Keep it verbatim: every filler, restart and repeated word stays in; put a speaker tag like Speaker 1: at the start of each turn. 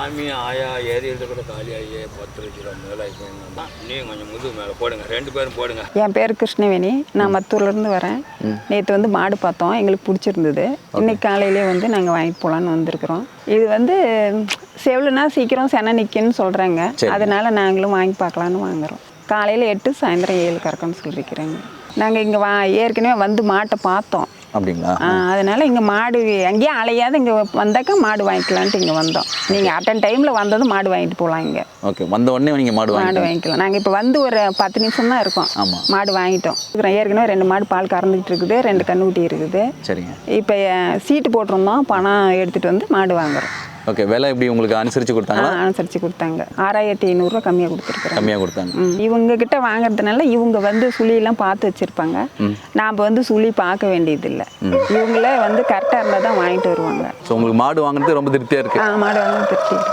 Speaker 1: சாமி ஆயா ஏரியில் கூட காலியாகி பத்து லட்ச ரூபா முதலாக நீங்கள் கொஞ்சம் முதுகு மேலே போடுங்க, ரெண்டு பேரும் போடுங்க.
Speaker 2: என் பேர் கிருஷ்ணவேணி, நான் மத்தூர்லேருந்து வரேன். நேற்று வந்து மாடு பார்த்தோம், எங்களுக்கு பிடிச்சிருந்தது. இன்னைக்கு காலையிலே வந்து நாங்கள் வாங்கிட்டு போகலான்னு வந்திருக்கிறோம். இது வந்து செவலுனா சீக்கிரம் செனை நிற்குன்னு சொல்கிறாங்க, அதனால நாங்களும் வாங்கி பார்க்கலான்னு வாங்குகிறோம். காலையில் எட்டு சாயந்தரம் ஏழு கறக்கணும்னு சொல்லியிருக்கிறேங்க. நாங்கள் இங்கே வா ஏற்கனவே வந்து மாட்டை பார்த்தோம்.
Speaker 3: அப்படிங்களா?
Speaker 2: அதனால் இங்கே மாடு எங்கேயும் அலையாத இங்கே வந்தாக்கா மாடு வாங்கிக்கலான்ட்டு இங்கே வந்தோம். நீங்கள் அட்டன் டைமில் வந்ததும் மாடு வாங்கிட்டு போகலாம். இங்கே
Speaker 3: ஓகே, வந்த உடனே நீங்கள் மாடு
Speaker 2: மாடு வாங்கிக்கலாம். நாங்கள் இப்போ வந்து ஒரு பத்து நிமிஷம் தான் இருக்கோம்.
Speaker 3: ஆமாம்,
Speaker 2: மாடு வாங்கிட்டோம். ஏற்கனவே ரெண்டு மாடு பால் கறந்துக்கிட்டு இருக்குது, ரெண்டு கண்ணுக்குட்டி இருக்குது.
Speaker 3: சரிங்க.
Speaker 2: இப்போ சீட்டு போட்டிருந்தோம், பணம் எடுத்துகிட்டு வந்து மாடு வாங்குறோம்.
Speaker 3: ஓகே, விலை எப்படி உங்களுக்கு அனுசரித்து கொடுத்தாங்களா?
Speaker 2: அனுசரித்து கொடுத்தாங்க. ஆறாயிரத்தி ஐநூறுரூவா கம்மியாக கொடுத்துருக்குறேன்.
Speaker 3: கம்மியாக கொடுத்தாங்க.
Speaker 2: இவங்க கிட்ட வாங்குறதுனால இவங்க வந்து சுழியெல்லாம் பார்த்து வச்சுருப்பாங்க. நாம் வந்து சுழி பார்க்க வேண்டியதில்லை. இவங்களே வந்து கரெக்டாக இருந்தால் தான் வாங்கிட்டு வருவாங்க.
Speaker 3: ஸோ உங்களுக்கு மாடு வாங்குறது ரொம்ப திருப்தியாக இருக்குது?
Speaker 2: மாடு வாங்க திருப்தி.